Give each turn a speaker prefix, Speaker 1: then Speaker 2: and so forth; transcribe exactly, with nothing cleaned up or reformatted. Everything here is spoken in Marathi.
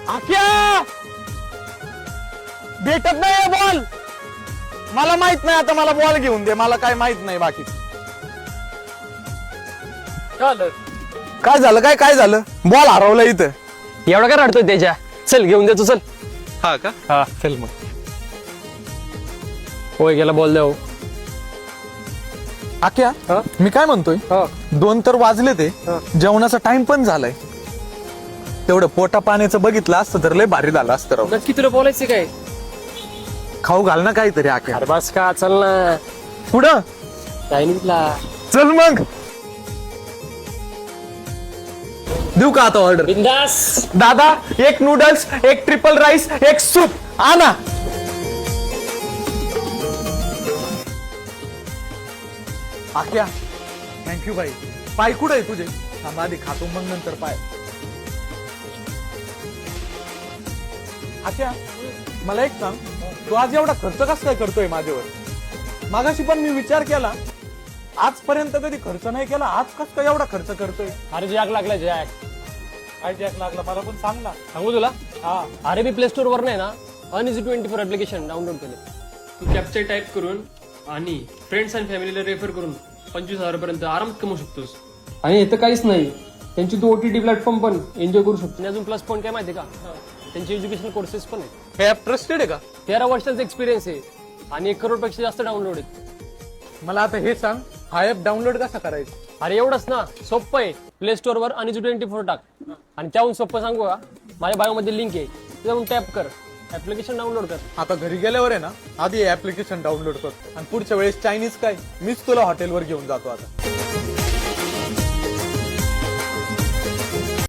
Speaker 1: आख्या भेटत नाही बॉल. मला माहित नाही आता, मला बॉल घेऊन दे, मला काय माहित नाही बाकी. काय झालं काय काय झालं? बॉल हरवला इथं.
Speaker 2: एवढा काय रडतोय त्याच्या? चल घेऊन देतो चल.
Speaker 1: हा का?
Speaker 2: हा चल मग. होय गेला बॉल द्या.
Speaker 1: आख्या मी काय म्हणतोय, दोन तर वाजले ते, जेवणाचा टाइम पण झालाय. तेवढं पोटा पाण्याचं बघितलं असतं तर लय भारी झालं असतं राव.
Speaker 2: नक्की तुला बोलायचं काय?
Speaker 1: खाऊ घाल ना काहीतरी आख्या.
Speaker 2: अरे बस का, चल ना.
Speaker 1: पुढं
Speaker 2: चायनीजला
Speaker 1: चल मग. देऊ का आता ऑर्डर?
Speaker 2: बिंदास.
Speaker 1: दादा एक नूडल्स, एक ट्रिपल राईस, एक सूप आणा. आख्या थँक्यू भाई. पाय कुठं आहे तुझे? थांब आधी खातो मग नंतर पाय. आख्या मला एक सांग, तू आज एवढा खर्च कस काय करतोय माझ्यावर? मागाशी पण मी विचार केला, आजपर्यंत कधी खर्च नाही केला, आज कस काय एवढा खर्च करतोय?
Speaker 2: अरे जॅक लागला जॅक.
Speaker 1: काय जॅक लागला मला पण सांग ना.
Speaker 2: सांगू तुला?
Speaker 1: हा
Speaker 2: अरे मी प्ले स्टोर वर नाही ना uneasy twenty four application download केले. तू कॅप्चर टाईप करून आणि फ्रेंड्स आणि फॅमिलीला रेफर करून पंचवीस हजार पर्यंत आरामात कमवू शकतोस. आणि इथं काहीच नाही, त्यांची तू ओटीटी प्लॅटफॉर्म पण एन्जॉय करू शकतो. आणि अजून प्लस पॉईंट काय माहिती का, त्यांचे एज्युकेशनल कोर्सेस पण आहेत.
Speaker 1: हे ऍप ट्रस्टेड आहे का?
Speaker 2: तेरा वर्षाचा एक्सपिरियन्स आहे आणि एक करोड पेक्षा जास्त डाउनलोड आहेत.
Speaker 1: मला आता हे सांग, हा ऍप डाउनलोड कसा करायचा?
Speaker 2: अरे एवढंच ना, सोपं आहे. प्ले स्टोर वर अनइझी ट्वेंटी फोर टाक आणि त्याहून सोपं सांगू का, माझ्या बायो मध्ये लिंक आहे, त्याहून टॅप कर, ऍप्लिकेशन डाउनलोड कर.
Speaker 1: आता घरी गेल्यावर आहे ना, आधी हे ऍप्लिकेशन डाउनलोड कर आणि पुढच्या वेळेस चायनीज काय मीच तुला हॉटेलवर घेऊन जातो आता.